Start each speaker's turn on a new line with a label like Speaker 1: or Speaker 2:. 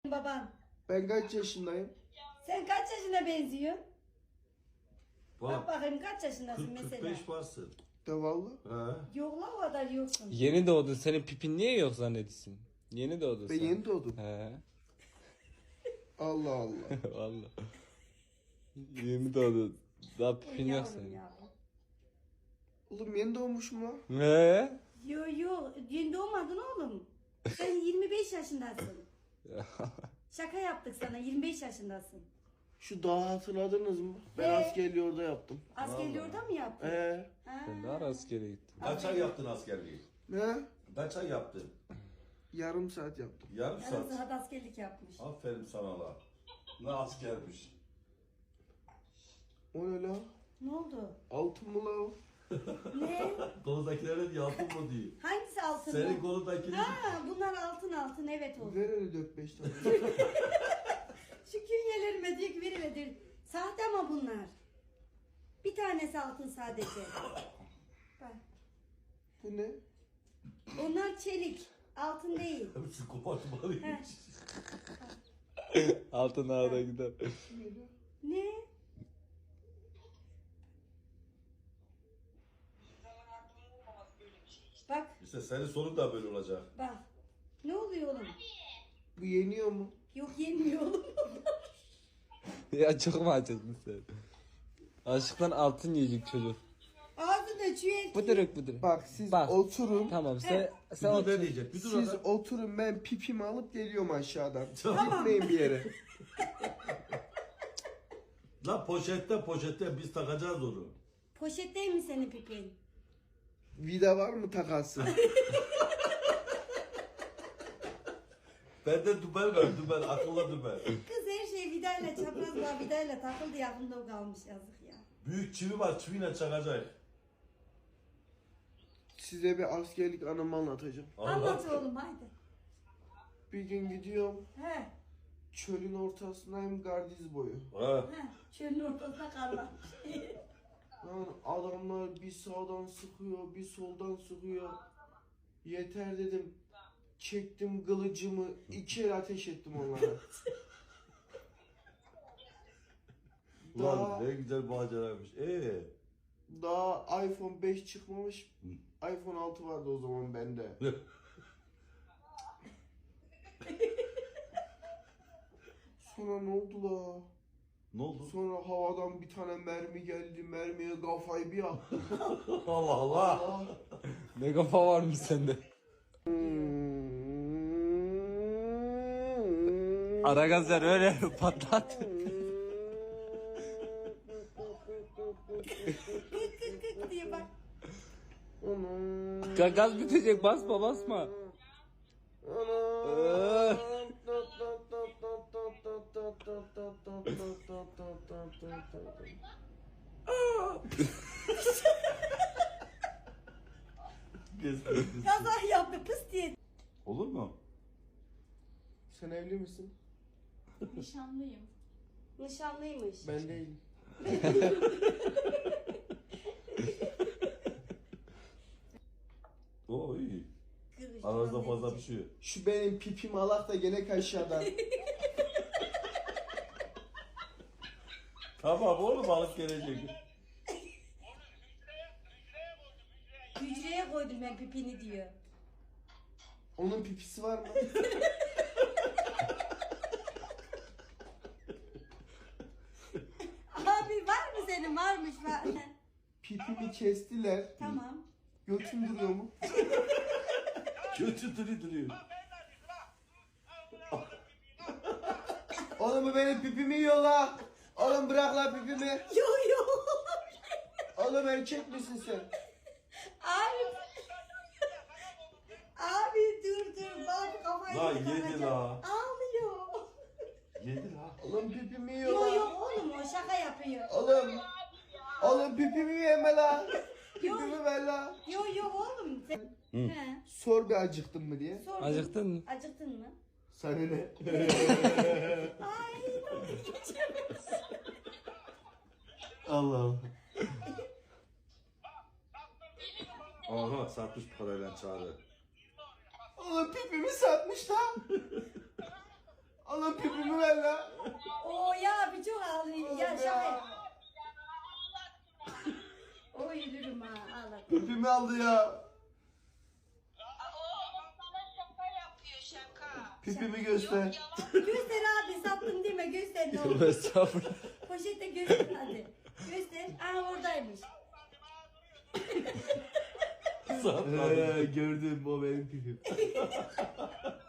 Speaker 1: Baban.
Speaker 2: Ben kaç yaşındayım?
Speaker 1: Sen kaç yaşına benziyorsun? Bak
Speaker 3: Bak
Speaker 1: bakayım kaç yaşındasın mesela?
Speaker 3: 45 varsın.
Speaker 2: De valla.
Speaker 3: He.
Speaker 1: Yok la o kadar yoksun.
Speaker 4: Yeni doğdun. Senin pipin niye yok zannediyorsun? Yeni doğdun
Speaker 2: Ben
Speaker 4: sen.
Speaker 2: yeni doğdum.
Speaker 4: He.
Speaker 2: Allah Allah.
Speaker 4: Valla. Yeni doğdun. Daha pipin yok
Speaker 1: Yavrum
Speaker 4: senin.
Speaker 1: ya.
Speaker 2: Oğlum yeni doğmuşum lan.
Speaker 4: Ne?
Speaker 1: Yo yeni doğmadın oğlum. Sen 25 yaşındasın. Şaka yaptık sana 25 yaşındasın.
Speaker 2: Şu dağı hatırladınız mı? Ben
Speaker 1: He.
Speaker 2: askerliği orada yaptım.
Speaker 1: Askerliği orada mı yaptın? Ha.
Speaker 4: Ben daha askere gittim.
Speaker 3: Kaç ay yaptın askerliği?
Speaker 2: Ne?
Speaker 3: Kaç ay yaptın?
Speaker 2: Yarım saat yaptım.
Speaker 3: Yarım
Speaker 1: Yarım
Speaker 3: saat.
Speaker 1: saat askerlik yapmış.
Speaker 3: Aferin sana la. Ne askermiş.
Speaker 2: O ne la?
Speaker 1: Ne oldu?
Speaker 2: Altın mı la o?
Speaker 1: Ne?
Speaker 3: Koludakilerin altın mı diyor.
Speaker 1: Hangisi altın?
Speaker 3: Senin koludakilerin...
Speaker 1: Ha bunlar altın evet oldu.
Speaker 2: Ver öyle 4-5 tane.
Speaker 1: Şu künyelerime diyor ki veriledir. Sahte ama bunlar. Bir tanesi altın sadece. Bak.
Speaker 2: Bu ne?
Speaker 1: Onlar çelik. Altın değil.
Speaker 3: Hepsi kopartmalıymış.
Speaker 4: Altın ağda gider.
Speaker 1: Ne? Bak
Speaker 3: İşte senin sonun da böyle olacak.
Speaker 1: bak. Ne oluyor oğlum?
Speaker 2: Bu yeniyor mu?
Speaker 1: Yok yenmiyor oğlum.
Speaker 4: Ya çok mu acıktın sen? Aşıktan altın yiyecek çocuk.
Speaker 1: Ağzında çüye.
Speaker 4: Bıdırık.
Speaker 2: Bak siz
Speaker 4: Bak.
Speaker 2: oturun.
Speaker 4: Tamam
Speaker 3: Sen
Speaker 4: sen
Speaker 3: bir dur
Speaker 4: otur.
Speaker 3: ne diyecek? Bir dur
Speaker 2: Siz
Speaker 3: adam.
Speaker 2: oturun ben pipimi alıp geliyorum aşağıdan.
Speaker 3: Tamam.
Speaker 2: Gitmeyin bir yere.
Speaker 3: La poşette biz takacağız onu.
Speaker 1: Poşet değil mi senin pipin?
Speaker 2: Vida var mı takası?
Speaker 3: Bende dübel var dübel. Akıllı dübel.
Speaker 1: Kız her şey vidayla çaprazla vidayla takıldı yakında o kalmış yazık ya.
Speaker 3: Büyük çivi var. Çiviyle çakacak.
Speaker 2: Size bir askerlik anımı anlatacağım.
Speaker 1: Anlat oğlum haydi.
Speaker 2: Bir gün gidiyorum.
Speaker 1: He.
Speaker 2: Çölün ortasındayım gardiz boyu.
Speaker 3: Ha.
Speaker 1: He. Çölün ortasına karlanmış.
Speaker 2: Lan adamlar bir sağdan sıkıyor, bir soldan sıkıyor. Yeter dedim. Çektim kılıcımı, 2 el ateş ettim onlara.
Speaker 3: Ulan
Speaker 2: Daha,
Speaker 3: ne güzel maceraymış.
Speaker 2: daha iPhone 5 çıkmamış. iPhone 6 vardı o zaman bende. Sonra ne oldu la?
Speaker 3: Ne oldu?
Speaker 2: Sonra havadan bir tane mermi geldi. Mermiye kafayı bir attım.
Speaker 3: Allah Allah.
Speaker 2: Ah.
Speaker 4: Ne kafa varmış sende. Ara gazlar öyle patlat.
Speaker 1: Kık diye bak.
Speaker 4: Gaz bitecek basma.
Speaker 1: Kaza yaptı pıs diye.
Speaker 3: Olur mu?
Speaker 2: Sen evli misin?
Speaker 5: Nişanlıyım.
Speaker 1: Nişanlıymış.
Speaker 2: Ben değilim.
Speaker 3: Oo iyi.
Speaker 1: Kız,
Speaker 3: Aranızda fazla bir şey yok.
Speaker 2: Şu benim pipim alak da gene aşağıdan.
Speaker 3: Tamam oğlum alıp gelecek.
Speaker 1: Hücreye koydum ben pipini diyor.
Speaker 2: Onun pipisi var mı?
Speaker 1: Abi var mı senin? Varmış var.
Speaker 2: Pipimi kestiler.
Speaker 1: Tamam.
Speaker 2: Götüm duruyor mu?
Speaker 3: Kötü duruyor.
Speaker 2: Oğlum bu benim pipimi yiyor la. Oğlum bırak la pipimi.
Speaker 1: Yo.
Speaker 2: Oğlum erkek misin sen?
Speaker 1: Abi. Abi dur. Bak kafayı
Speaker 3: La
Speaker 1: takacak.
Speaker 3: yedi la.
Speaker 1: Ağlıyor.
Speaker 3: Yedi la.
Speaker 2: Oğlum pipimi yiyor
Speaker 1: Yo
Speaker 2: la.
Speaker 1: oğlum o şaka yapıyor.
Speaker 2: Oğlum pipimi yeme la.
Speaker 1: Yo.
Speaker 2: Pipimi ver la.
Speaker 1: Yo oğlum. Sen... He.
Speaker 2: Sor bir acıktın mı diye.
Speaker 1: Sordum.
Speaker 4: Acıktın mı?
Speaker 1: Acıktın mı?
Speaker 2: Sana ne?
Speaker 1: Ay.
Speaker 3: Allah Allah. Aha satmış parayla çağırdı.
Speaker 2: Oğlum pipimi satmış lan. Allah pipimi ver la.
Speaker 1: Oo ya bir çok ağlıyor. Ya şaka. Oy yürürüm ha ağladım.
Speaker 2: Pipimi aldı ya. Pipimi göster.
Speaker 1: Göster abi sattım deme göster ne olur.
Speaker 4: Estağfurullah.
Speaker 1: Poşette göster hadi. Göster. Aha oradaymış.
Speaker 2: Gördüm o benim pipim.